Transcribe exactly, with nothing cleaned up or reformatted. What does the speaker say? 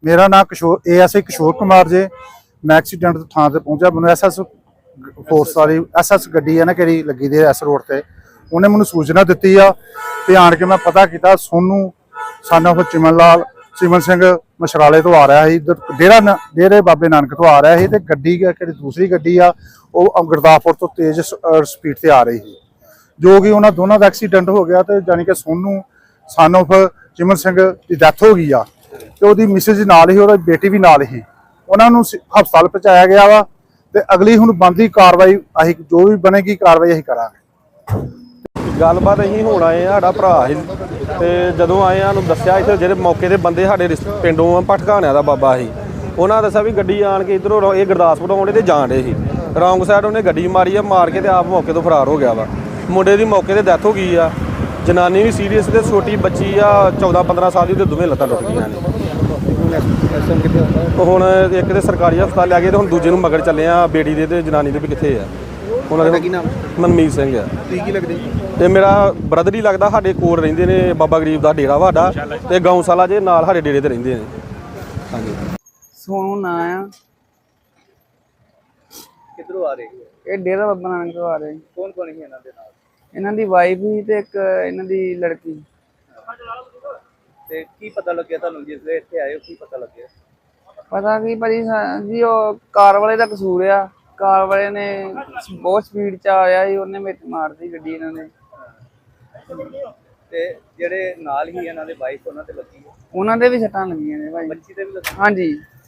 मेरा नाम किशोर A S I किशोर कुमार जे। मैं एक्सीडेंट थां ते पहुंचा। मैं एस एस फोर्स वाली एस एस गड्डी है ना कि लगी दी एस रोड से उन्हें मैंने सूचना दी आ ते आन के मैं पता किया सोनू सन ऑफ चिमन लाल चिमन सिंह मछराले तो आ रहा है इधर डेरा डेरे बाबे नानक तो आ रहा है। तो गड्डी दूसरी गड्डी आ वो गुरदासपुर तो तेज स्पीड से आ रही थी जो कि उन्होंने दोनों का एक्सीडेंट हो गया। तो जानी कि सोनू सन ऑफ चिमन सिंह की डैथ हो गई आ तो वो मिसिज नाल ही और बेटी भी नाल ही उन्होंने हस्पताल पहुँचाया गया वा। तो अगली हुण बनदी कार्रवाई असीं जो भी बनेगी कार्रवाई असीं करांगे। गलबात असीं हुण आए साडा भरा ही ते जदों आए सानूं दस्सिया इत्थे जेह्ड़े मौके दे बंदे साडे पिंडों भटकाने दा बाबा ही उन्हां दस्सिया भी गड्डी आण के इधरों ये गुरदासपुर आउंदे ते जाण डे ही रौंग साइड उन्हें गड्डी मारी आ मार के ते आप मौके तो फरार हो गया वा। मुंडे दी मौके ते डैथ हो गई आ जनानी भी सीरीयस ते छोटी बच्ची आ चौदह पंद्रह साल दी ते दोवें लत्तां टुट गईयां ने। ਹੁਣ ਇੱਕ ਦੇ ਸਰਕਾਰੀ ਹਸਪਤਾਲ ਲੈ ਗਏ ਤੇ ਹੁਣ ਦੂਜੇ ਨੂੰ ਮਗਰ ਚੱਲੇ ਆ ਬੇਟੀ ਦੇ ਤੇ ਜਨਾਨੀ ਦੇ ਵੀ ਕਿੱਥੇ ਆ। ਉਹਨਾਂ ਦਾ ਕੀ ਨਾਮ? ਮਨਮੀਤ ਸਿੰਘ ਆ। ਕੀ ਕੀ ਲੱਗਦੇ? ਤੇ ਮੇਰਾ ਬ੍ਰਦਰ ਹੀ ਲੱਗਦਾ ਸਾਡੇ ਕੋਲ ਰਹਿੰਦੇ ਨੇ ਬਾਬਾ ਗਰੀਬ ਦਾ ਡੇਰਾ ਵਾਡਾ ਤੇ ਗਊਸ਼ਾਲਾ ਜੇ ਨਾਲ ਸਾਡੇ ਡੇਰੇ ਤੇ ਰਹਿੰਦੇ ਨੇ। ਹਾਂਜੀ ਸੋਨੂ ਨਾਂ ਆ। ਕਿੱਧਰੋਂ ਆ ਰਹੇ ਇਹ ਡੇਰਾ ਬਾਬਾ ਨਾਨਕ ਤੋਂ ਆ ਰਹੇ। ਕੌਣ ਕੌਣ ਸੀ ਇਹਨਾਂ ਦੇ ਨਾਲ? ਇਹਨਾਂ ਦੀ ਵਾਈਫ ਹੀ ਤੇ ਇੱਕ ਇਹਨਾਂ ਦੀ ਲੜਕੀ। ਤੇ ਕੀ ਪਤਾ ਲੱਗਿਆ ਤੁਹਾਨੂੰ ਜਿਸ ਵੇਲੇ ਇੱਥੇ ਆਏ ਹੋ ਕੀ ਪਤਾ ਲੱਗਿਆ? ਪਤਾ ਕੀ ਭਾਜੀ ਜੀ ਉਹ ਕਾਰ ਵਾਲੇ ਦਾ ਕਸੂਰ ਆ। ਕਾਰ ਵਾਲੇ ਨੇ ਬਹੁਤ ਸਪੀਡ ਚ ਆਇਆ ਸੀ ਉਹਨੇ ਵਿੱਚ ਮਾਰਦੀ ਗੱਡੀ ਇਹਨਾਂ ਨੇ। ਤੇ ਜਿਹੜੇ ਨਾਲ ਹੀ ਇਹਨਾਂ ਦੇ ਵਾਈਫ ਉਹਨਾਂ ਤੇ ਲੱਗੀ ਉਹਨਾਂ ਦੇ ਵੀ ਸੱਟਾਂ ਲੱਗੀਆਂ ਨੇ ਭਾਜੀ। ਬੱਚੀ ਤੇ ਵੀ ਲੱਗੀ? ਹਾਂਜੀ।